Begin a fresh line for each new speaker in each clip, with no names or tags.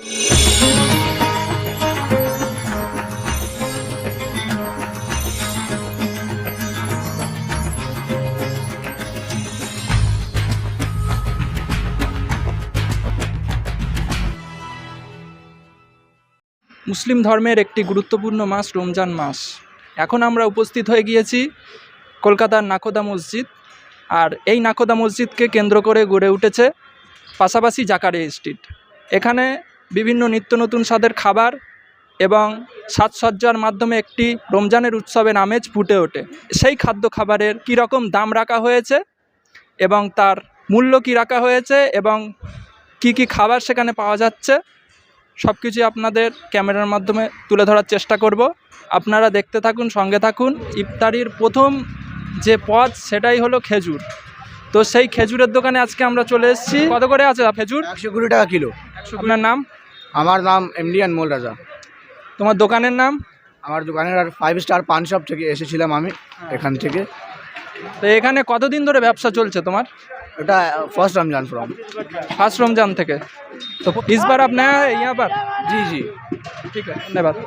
মুসলিম ধর্মের একটি গুরুত্বপূর্ণ মাস রমজান মাস। এখন আমরা উপস্থিত হয়ে গিয়েছি কলকাতার নাকোদা মসজিদ। আর এই নাকোদা মসজিদকে কেন্দ্র করে গড়ে উঠেছে পাশাপাশি জাকারিয়া স্ট্রিট। এখানে বিভিন্ন নিত্য নতুন স্বাদের খাবার এবং সাজসজ্জার মাধ্যমে একটি রমজানের উৎসবের আমেজ ফুটে ওঠে। সেই খাদ্য খাবারের কীরকম দাম রাখা হয়েছে এবং তার মূল্য কী রাখা হয়েছে এবং কি কি খাবার সেখানে পাওয়া যাচ্ছে সব কিছুই আপনাদের ক্যামেরার মাধ্যমে তুলে ধরার চেষ্টা করব। আপনারা দেখতে থাকুন, সঙ্গে থাকুন। ইফতারির প্রথম যে পদ সেটাই হলো খেজুর। তো সেই খেজুরের দোকানে আজকে আমরা চলে এসেছি। কত করে আছে খেজুর?
120 টাকা কিলো।
আপনার নাম?
আমার নাম এমডি আনমোল রাজা।
তোমার দোকানের নাম?
আমার দোকানের আর 5 স্টার পান শপ থেকে এসেছিলাম আমি এখান থেকে।
তো এখানে কতদিন ধরে ব্যবসা চলছে তোমার?
এটা first Ramzan from
first Ramzan থেকে। तो इस बार आप नया है यहाँ पर?
जी जी
ঠিক আছে, ধন্যবাদ।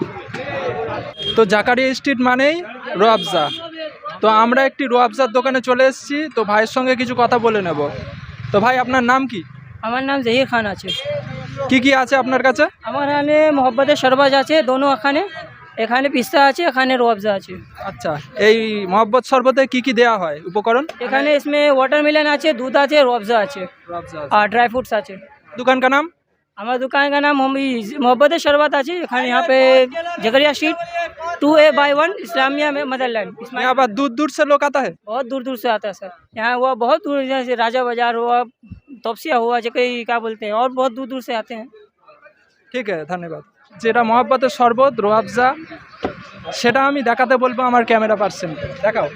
তো জাকারিয়া স্ট্রিট মানেই রোয়াবজা। তো আমরা একটি রোয়াবজার দোকানে চলে এসেছি। তো ভাইয়ের সঙ্গে কিছু কথা বলে নেব। তো ভাই, আপনার নাম কি?
আমার নাম জহির খান আছে।
কি কি আছে আপনার কাছে?
আমার এখানে মোহব্বতের শরবত আছে, দোনো এখানে। এখানে পিস্তা আছে, এখানে রোয়াবজা আছে।
আচ্ছা, এই মহব্বত শরবতে কি কি দেওয়া হয় উপকরণ?
এখানে इसमें वाटरमेलन আছে, दूध আছে, রোয়াবজা আছে और ड्राई फ्रूट्स আছে।
दुकान का नाम?
हमारा दुकान का नाम मोहब्बत शरबत আছে। এখানে यहाँ पे जकरिया स्ट्रीट 2A/1 इस्लामिया में मदरलैंड।
यहाँ पर दूर दूर से लोग आता है?
बहुत दूर दूर से आता है सर। यहाँ हुआ बहुत दूर, जैसे राजा बाजार हुआ, तोपसिया हुआ, जकरी क्या बोलते हैं, और बहुत दूर दूर से आते हैं।
ঠিক আছে, ধন্যবাদ। যেটা মহব্বতের শরবত রোয়াবজা সেটা আমি দেখাতে বলবো আমার ক্যামেরা পার্সন। দেখাও।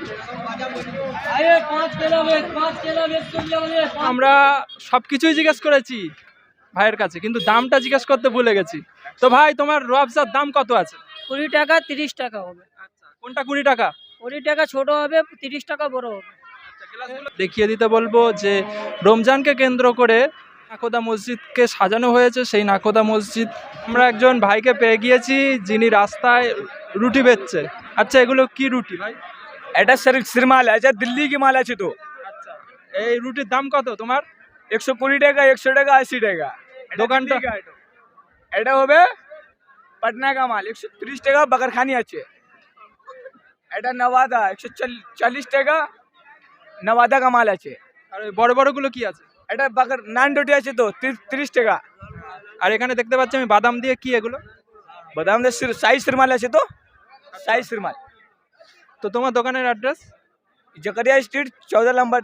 আমরা সব কিছুই জিজ্ঞেস করেছি ভাইয়ের কাছে, কিন্তু দামটা জিজ্ঞেস করতে ভুলে গেছি। তো ভাই, তোমার রোয়াবজার দাম কত আছে?
20 টাকা 30 টাকা হবে।
কোনটা 20 টাকা?
20 টাকা ছোট হবে, 30 টাকা বড় হবে।
দেখিয়ে দিতে বলবো যে রমজানকে কেন্দ্র করে নাকোদা মসজিদকে সাজানো হয়েছে। সেই নাকোদা মসজিদ আমরা একজন ভাইকে পেয়ে গিয়েছি যিনি রাস্তায় রুটি বেচছে। আচ্ছা, এগুলো কি রুটি ভাই?
এটা সিরমাল আছে, দিল্লি কি মাল আছে। তো
আচ্ছা, এই রুটির দাম কত তোমার?
120 টাকা, 100 টাকা, 80 টাকা।
দোকানটা
এটা হবে পাটনা का माल 130 টাকা। বাগারখানি আছে। এটা নওয়াদা 140 টাকা, নওয়াদা का माल আছে।
আর ওই বড় বড়গুলো কি আছে?
এটা বাগার নান রুটি আছে, তো 30 টাকা।
আর এখানে দেখতে পাচ্ছি আমি বাদাম দিয়ে, কি এগুলো?
বাদাম দিয়ে সাইজ সিরমাল আছে, তো সাইজ সিরমাল।
তো তোমার দোকানের অ্যাড্রেস?
জাকারিয়া স্ট্রিট 14 নম্বর।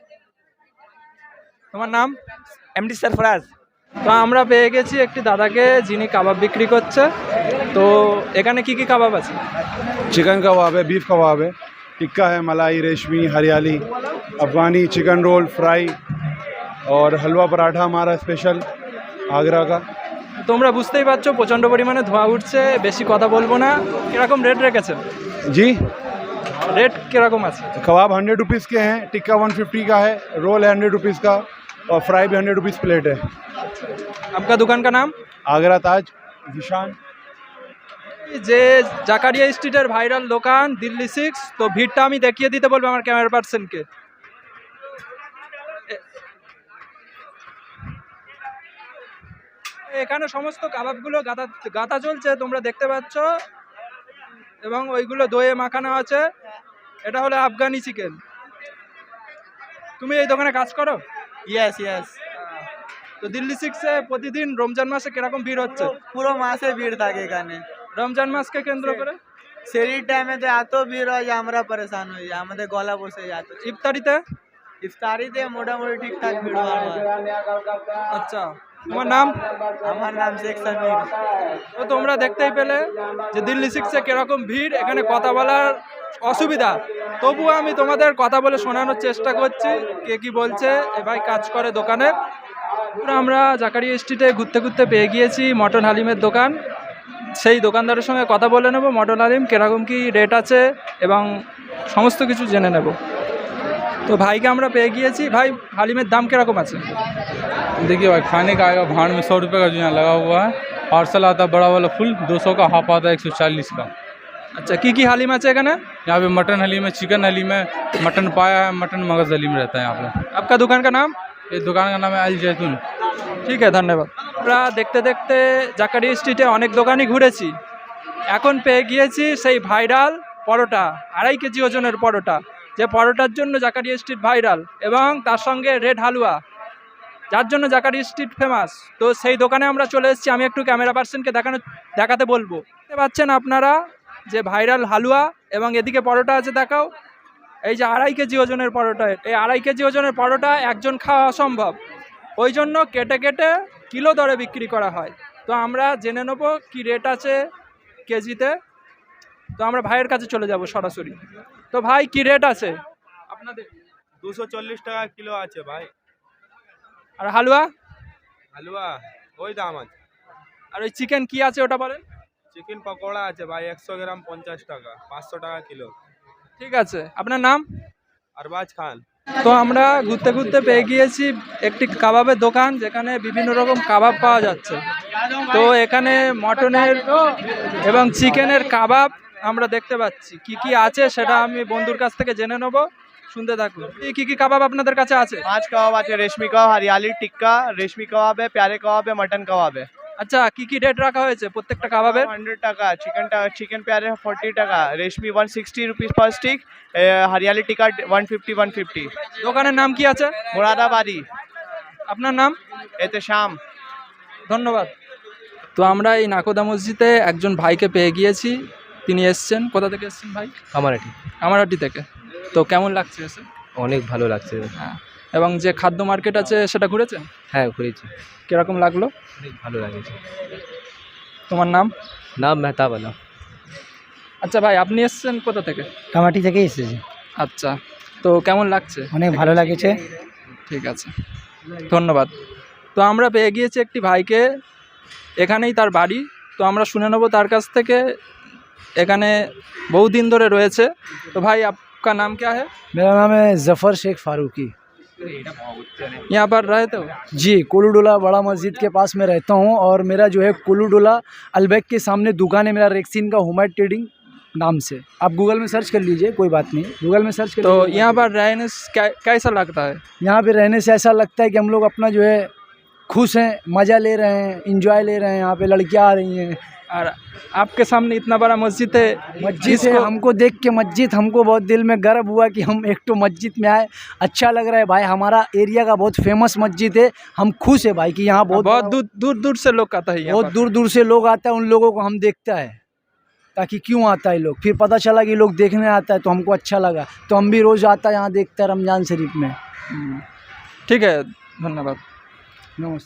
তোমার নাম?
এমডি सरफराज।
তো আমরা পেয়ে গেছি একটি দাদাকে যিনি কাবাব বিক্রি করছে। তো এখানে কি কি কাবাব আছে?
चिकन कबाब है, बीफ कबाब है, टिक्का है, मलाई, रेशमी, हरियाली, अफगानी, चिकन रोल, फ्राई और हलवा पराठा हमारा स्पेशल आगरा का।
তোমরা বুঝতেই পারছো প্রচণ্ড পরিমাণে ধোঁয়া উঠছে, বেশি কথা বলবো না। কিরকম রেট রেখেছেন?
जी,
রেট কিরকম আছে?
कबाब 100 रुपीज़ के हैं, टिक्का 150 का है, रोल 100 रुपीज़ का और फ्राई भी 100 रुपीज़ प्लेट है।
आपका दुकान का नाम?
आगरा ताज निशान।
যে জাকারিয়া স্ট্রিটের ভাইরাল দোকান দিল্লি 6। তো ভিড়টা আমি দেখিয়ে দিতে বলবো আমার ক্যামেরা পার্সনকে। এখানে সমস্ত কাবাবগুলো গাঁথা চলছে, তোমরা দেখতে পাচ্ছ, এবং ওইগুলো দইয়ে মাখানো আছে। এটা হলো আফগানি চিকেন। তুমি এই দোকানে কাজ করো?
Yes yes.
তো দিল্লি 6-এ প্রতিদিন রমজান মাসে কিরকম ভিড় হচ্ছে?
পুরো মাসে ভিড় থাকে এখানে।
রমজান মাসকে কেন্দ্র করে
সেই টাইমে তো এত ভিড় হয় যে আমরা পরেশান হই, আমাদের গলা বসে যায়।
ইফতারিতে?
ইফতারিতে মোটামুটি ঠিকঠাক ভিড় হয়।
আচ্ছা, তোমার নাম?
আমার নাম শেখ সামির।
তো তোমরা দেখতেই পেলে যে দিল্লি 6-এ কিরকম ভিড়। এখানে কথা বলার অসুবিধা, তবুও আমি তোমাদের কথা বলে শোনানোর চেষ্টা করছি কে কি বলছে। এ ভাই কাজ করে দোকানে। আমরা জাকারিয়া স্ট্রিটে ঘুরতে ঘুরতে পেয়ে গিয়েছি মটন হালিমের দোকান। সেই দোকানদারের সঙ্গে কথা বলে নেব, মটন হালিম কীরকম কী রেট আছে এবং সমস্ত কিছু জেনে নেব। তো ভাইকে আমরা পেয়ে গিয়েছি। ভাই হালিমের দাম কিরকম আছে?
देखिए भाई, खाने का आएगा भाड़ में 100 रुपये का जो यहाँ लगा हुआ है। पार्सल आता है बड़ा वाला फुल 200 का, हाफ आता है 140 का।
আচ্ছা কি কি হালিম আছে এখানে?
यहाँ पे मटन हलीम है, चिकन हलीम है, मटन पाया है, मटन मगज हलीम रहता है यहाँ पे।
आपका दुकान का नाम?
ये दुकान का नाम है अल जैतून।
ঠিক আছে, ধন্যবাদ। আমরা দেখতে দেখতে জাকারিয়া স্ট্রিটে অনেক দোকানই ঘুরেছি, এখন পেয়ে গিয়েছি সেই ভাইরাল পরোটা, 2.5 কেজি ওজনের পরোটা, যে পরোটার জন্য জাকারিয়া স্ট্রিট ভাইরাল এবং তার সঙ্গে রেড হালুয়া, যার জন্য জাকারিয়া স্ট্রিট ফেমাস। তো সেই দোকানে আমরা চলে এসেছি, আমি একটু ক্যামেরা পার্সনকে দেখাতে বলবো। দেখতে পাচ্ছেন আপনারা যে ভাইরাল হালুয়া এবং এদিকে পরোটা আছে, দেখাও। এই যে 2.5 কেজি ওজনের পরোটা, এই 2.5 কেজি ওজনের পরোটা একজন খাওয়া অসম্ভব, ওই জন্য কেটে কেটে কিলো দরে বিক্রি করা হয়। তো আমরা জেনে নেবো কি রেট আছে কেজিতে। তো আমরা ভাইয়ের কাছে চলে যাব সরাসরি। তো ভাই কি রেট আছে আপনাদের?
240 টাকা কিলো আছে ভাই।
আর হালুয়া?
হালুয়া ওই দাম আছে।
আর ওই চিকেন কি আছে ওটা বলেন?
চিকেন পকোড়া আছে ভাই 100 গ্রাম 50 টাকা, 500 টাকা কিলো।
ঠিক আছে, আপনার নাম?
अरबाज खान।
তো আমরা ঘুরতে ঘুরতে পেয়ে গিয়েছি একটি কাবাবের দোকান, যেখানে বিভিন্ন রকম কাবাব পাওয়া যাচ্ছে। তো এখানে মটনের এবং চিকেনের কাবাব আমরা দেখতে পাচ্ছি। কি কি আছে সেটা আমি বন্ধুর কাছ থেকে জেনে নেব, শুনতে থাকুন। কি কি কাবাব আপনাদের কাছে আছে?
5 कबाब आते हैं, रेशमी कबाब, हरियाली टिक्का, रेशमी कबाब है, प्यारे कबाब है, मटन कबाब है।
আচ্ছা কি কি রেট রাখা হয়েছে প্রত্যেকটা কাবাবের?
100 টাকা, चिकन प्यारे 40 টাকা, रेशमी 160 रुपीस पर स्टिक, हरियाली टिक्का 150।
দোকানের নাম কি আছে?
मुरादाबादी।
আপনার নাম?
एहतशाम।
ধন্যবাদ। তো আমরা এই নাকোদা মসজিদে একজন ভাইকে পেয়ে গিয়েছি, তিনি এসছেন। কোথা থেকে এসছেন ভাই?
কামারহাটি।
কামারহাটি থেকে। তো কেমন লাগছে এসে?
অনেক ভালো লাগছে।
হ্যাঁ, এবং যে খাদ্য মার্কেট আছে সেটা ঘুরেছেন?
হ্যাঁ ঘুরেছি।
কিরকম লাগলো?
অনেক ভালো লাগছে।
তোমার নাম?
নাম মেহতাব আলম।
আচ্ছা ভাই, আপনি এসছেন কোথা থেকে?
কামাটি থেকে এসেছি।
আচ্ছা, তো কেমন লাগছে?
অনেক ভালো লাগছে।
ঠিক আছে, ধন্যবাদ। তো আমরা পেয়ে গিয়েছি একটি ভাইকে, এখানেই তার বাড়ি। তো আমরা শুনে নেব তার কাছ থেকে, এখানে বহুদিন ধরে রয়েছে। তো ভাই आपका नाम क्या है?
मेरा नाम है जफ़र शेख फारूकी।
यहाँ पर रहते हो?
जी, कुलूडोला बड़ा मस्जिद के पास में रहता हूँ, और मेरा जो है कुलूडोला अलबैक के सामने दुकान है मेरा, रेक्सिन का होममेड ट्रेडिंग नाम से। आप गूगल में सर्च कर लीजिए, कोई बात नहीं, गूगल में सर्च कर
तो
लीजिए।
यहाँ पर रहने से कैसा लगता है?
यहाँ पे रहने से ऐसा लगता है कि हम लोग अपना जो है खुश हैं, मज़ा ले रहे हैं, इंजॉय ले रहे हैं। यहाँ पे लड़कियाँ आ रही हैं,
और आपके सामने इतना बड़ा मस्जिद है।
मस्जिद है, हमको देख के मस्जिद हमको बहुत दिल में गर्व हुआ कि हम एक तो मस्जिद में आए। अच्छा लग रहा है भाई, हमारा एरिया का बहुत फेमस मस्जिद है, हम खुश है भाई कि यहाँ बहुत
दूर दूर से लोग आता है,
बहुत दूर दूर से लोग आता है। उन लोगों को हम देखता है ताकि क्यों आता है लोग, फिर पता चला कि लोग देखने आता है, तो हमको अच्छा लगा, तो हम भी रोज़ आता है यहाँ, देखता है रमज़ान शरीफ में।
ठीक है, धन्यवाद,
नमस्ते।